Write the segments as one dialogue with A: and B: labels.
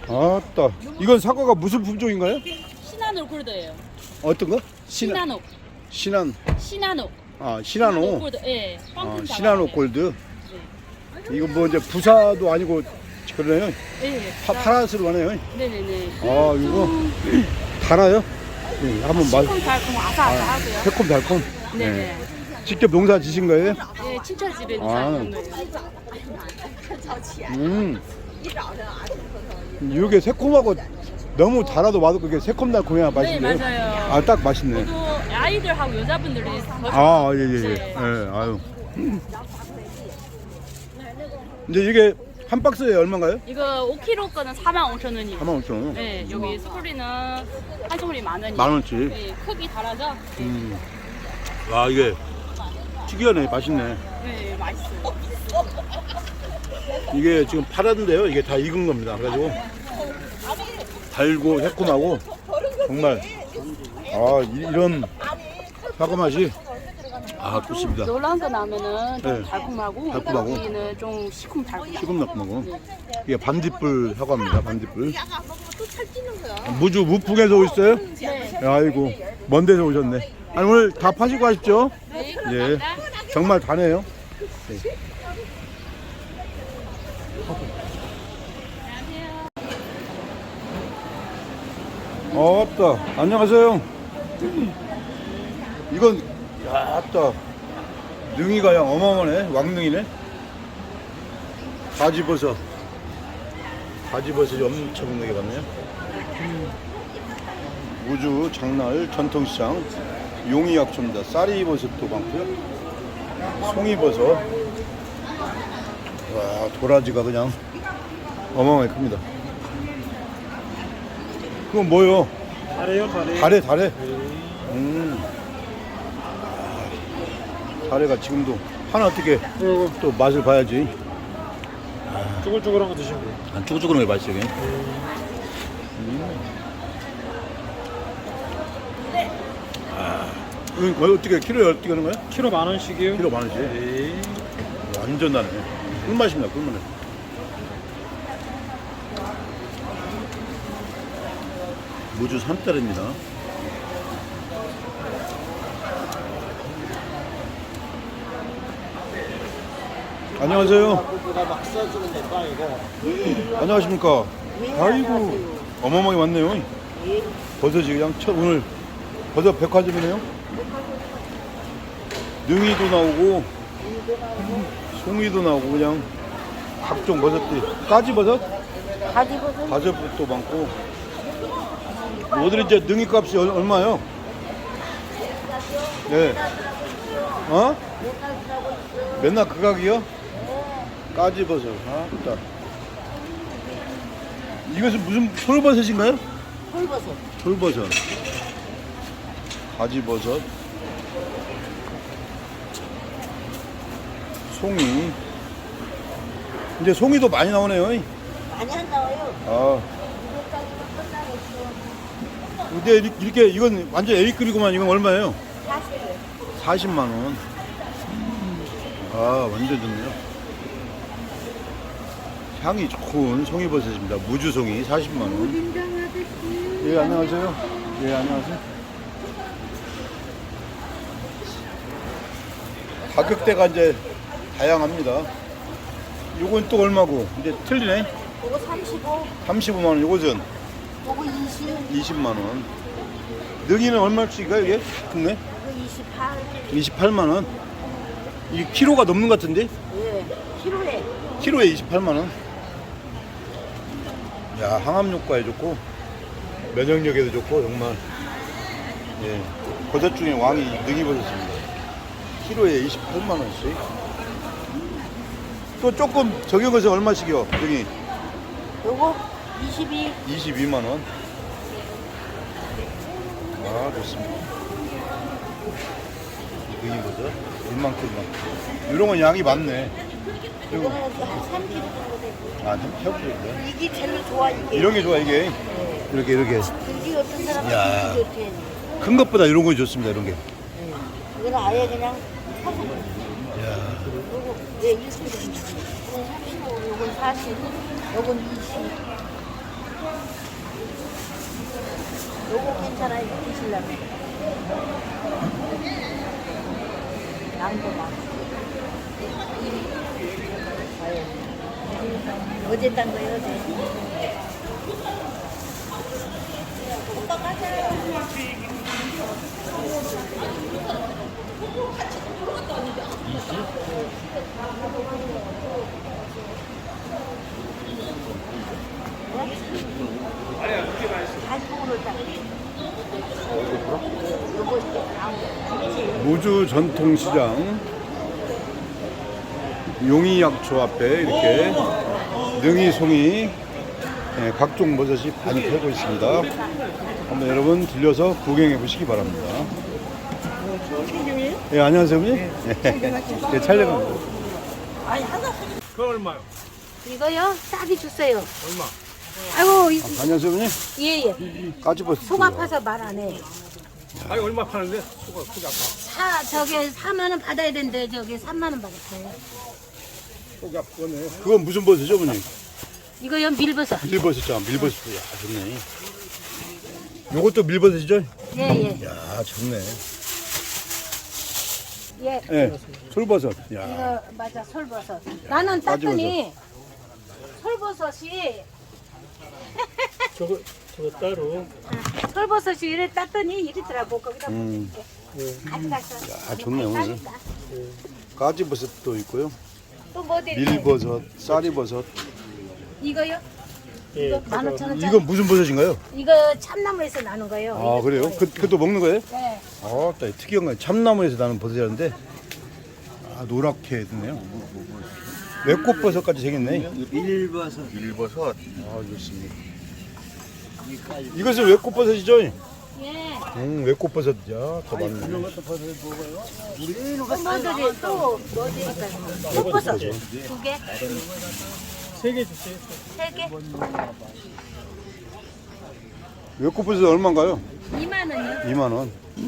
A: 아따, 이건 사과가 무슨 품종인가요?
B: 시나노 골드예요.
A: 어떤 거?
B: 시나노.
A: 시난.
B: 시나노.
A: 아, 시나노.
B: 골드. 예.
A: 아, 시나노 골드.
B: 네.
A: 이거 뭐 이제 부사도 아니고 그러네요.
B: 네.
A: 파란색으로 하네요.
B: 네네네.
A: 아, 이거 달아요? 네, 한번 맛.
B: 새콤달콤 아삭아삭하고요.
A: 새콤달콤.
B: 네네.
A: 직접 농사 지신 거예요?
B: 네, 친척 집에
A: 아.
B: 사는 거예요.
A: 이게 새콤하고 너무 달아도 맛없고 이게 새콤달콤해야
B: 네,
A: 맛있네.
B: 맞아요.
A: 아, 딱 맛있네.
B: 저도 아이들하고 여자분들이 더
A: 아, 예, 예, 예.
B: 네.
A: 예, 아유. 이제 이게 한 박스에 얼마인가요?
B: 이거 5kg 거는 45,000원이에요.
A: 45,000원.
B: 네, 여기 소리는 한 소리 10,000원이에요.
A: 10,000원치.
B: 네, 크기 다르죠? 네.
A: 와, 이게 특이하네. 맛있네.
B: 네, 맛있어요.
A: 이게 지금 팔았는데요. 이게 다 익은 겁니다. 그래가지고 달고 새콤하고 정말 이런 사과 맛이 좋습니다.
B: 노란 거 나면은 좀
A: 네.
B: 달콤하고,
A: 달콤하고.
B: 여기는 좀 시큼달콤.
A: 시금달콤하고 이게 반딧불 사과입니다. 반딧불. 무풍에서 오셨어요?
B: 네.
A: 아이고 먼 데서 오셨네. 아니 오늘 다 파시고 가십시오.
B: 네,
A: 예, 정말 다네요. 네. 왔다. 안녕하세요. 이건 야따 능이가 그냥 어마어마네. 왕능이네. 가지버섯 엄청 능하게 봤네요. 우주 장날 전통시장 용이약초입니다. 쌀이버섯도 많고요. 송이버섯. 와, 도라지가 그냥 어마어마하게 큽니다. 그건 뭐요?
C: 다래요, 다래.
A: 다래. 다래가 지금도 하나 어떻게 또 맛을 봐야지.
C: 쭈글쭈글한 거 드시면 돼요.
A: 안 쭈글쭈글한 게 맛있어. 이게. 이건 거의 어떻게 키로에 어떻게 하는 거야?
C: 키로 10,000원씩이요.
A: 키로 10,000원씩.
C: 네.
A: 완전 나네. 꿀맛입니다. 꿀맛. 무주 산딸입니다. 안녕하세요.
C: 막 써주는 내 빵이고.
A: 안녕하십니까. 아이고 어마어마하게 많네요. 버섯이 그냥 오늘 버섯 백화점이네요. 능이도 나오고 송이도 나오고 그냥 각종 버섯들이 가지버섯? 가지버섯도 많고. 오늘 이제 능이 값이 얼마요? 네. 어? 맨날 그 가격이요? 까지버섯. 딱. 이것은 무슨 솔버섯인가요? 솔버섯. 가지버섯. 송이. 이제 송이도 많이 나오네요.
D: 많이 안 나와요.
A: 근데 이렇게 이건 완전 A급이구만. 이건 얼마예요? 40만 원. 완전 좋네요. 향이 좋은 송이버섯입니다. 무주송이 40만 원. 예, 안녕하세요. 예, 안녕하세요. 가격대가 이제 다양합니다. 요건 또 얼마고? 이제 틀리네.
D: 이거 35,
A: 35만 원. 요것은
D: 이거 20,
A: 20만 원. 능이는 얼마씩인가요, 이게? 좋네.
D: 이거 28.
A: 28만 원. 이 키로가 넘는 것 같은데?
D: 예, 키로에.
A: 키로에 28만 원. 야, 항암 효과에 좋고 면역력에도 좋고 정말 예, 버섯 중에 왕이 능이버섯입니다. 키로에 28만 원씩. 또 조금 적용해서 얼마씩이요? 능이
D: 요거 22.
A: 22만 원. 좋습니다. 능이버섯 1만큼. 이런 건 양이 많네. 그리고
D: 이거는 한 3kg 정도 되고.
A: 태우기인데.
D: 이게 제일 좋아, 이게.
A: 이런 게 좋아 이게. 이렇게
D: 이게 어떤 사람은
A: 야.
D: 이게 좋대.
A: 큰 것보다 이런 거 좋습니다. 이런 게.
D: 이거는 아예 그냥 사서.
A: 야.
D: 요거, 예, 1kg. 이건 35, 요건 40, 요건 20. 요거 괜찮아요. 드시려면. 양도 많고. 어제 딴 거예요, 어제. 오빠 가자.
A: 무주 전통시장 용이약초 앞에 이렇게 능이, 송이, 예, 각종 버섯이 많이 팔고 있습니다. 한번 여러분 들려서 구경해 보시기 바랍니다. 예, 안녕하세요, 어머니. 예, 촬영합니다.
C: 그거 얼마요?
E: 이거요? 싸게 주세요.
C: 얼마?
E: 아이고, 이거,
A: 안녕하세요, 어머니.
E: 예.
A: 까치버섯.
E: 속 아파서 말 안 해.
C: 아니 얼마 파는데? 속이 아파.
E: 저기 4만 원 받아야 되는데 저기 3만 원 받았어요.
C: 속이 아프네.
A: 그건 무슨 버섯이죠, 어머니?
E: 이거요 밀버섯.
A: 밀버섯이잖아, 밀버섯. 야, 좋네. 요것도 밀버섯이죠?
E: 예.
A: 야, 좋네.
E: 예.
A: 예, 솔버섯. 야,
E: 이거 맞아 솔버섯. 나는 땄더니 솔버섯이
C: 저거 따로.
E: 솔버섯이 이래 땄더니 이리더라고 거기다
A: 음.
E: 가져가서.
A: 야, 좋네, 오늘. 까지버섯도 있고요.
E: 또뭐 돼?
A: 밀버섯, 쌀이버섯.
E: 이거요?
C: 예.
E: 이거 15,000원짜리.
A: 이건 무슨 버섯인가요?
E: 이거 참나무에서 나는 거예요.
A: 아, 그래요? 그것도 먹는 거예요?
E: 네.
A: 아, 특이한 거 참나무에서 나는 버섯이라는데, 아, 노랗게 됐네요. 외꽃버섯까지 생겼네.
F: 밀버섯.
A: 아, 좋습니다. 이것은 외꽃버섯이죠?
E: 예.
A: 외꽃버섯. 야, 더 많네.
E: 뭐들이 또 뭐들일까요? 속버섯 2개,
C: 3개 주세요.
E: 3개,
A: 외꽃버섯 얼마인가요?
E: 2만 원이요.
A: 2만 원.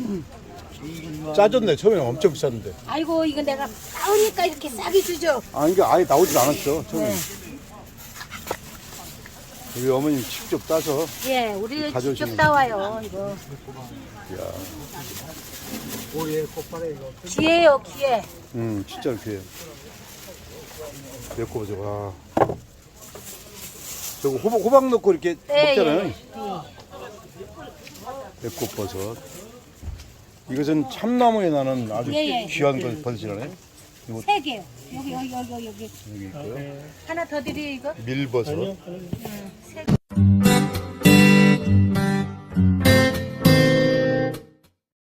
A: 짜졌네. 처음에 엄청 비쌌는데.
E: 아이고 이거 내가 싸우니까 이렇게 싸게 주죠.
A: 아, 이게 아예 나오질 않았죠. 처음에.
E: 네.
A: 우리 어머님 직접 따서.
E: 예, 우리
A: 가져오시는
E: 직접 따와요 이거.
A: 야,
C: 오예 꽃바래 이거.
E: 기회요 기회.
A: 진짜 이렇게. 외꽃버섯. 와. 저거 호박 넣고 이렇게 먹잖아요.
E: 예.
A: 외꽃버섯. 이것은 참나무에 나는 아주
E: 예.
A: 귀한 버섯이라네. 이거
E: 3개요. 여기
A: 여기 있고요.
E: 하나 더 드려요 이거.
A: 밀버섯.
C: 아니요.
E: 3개.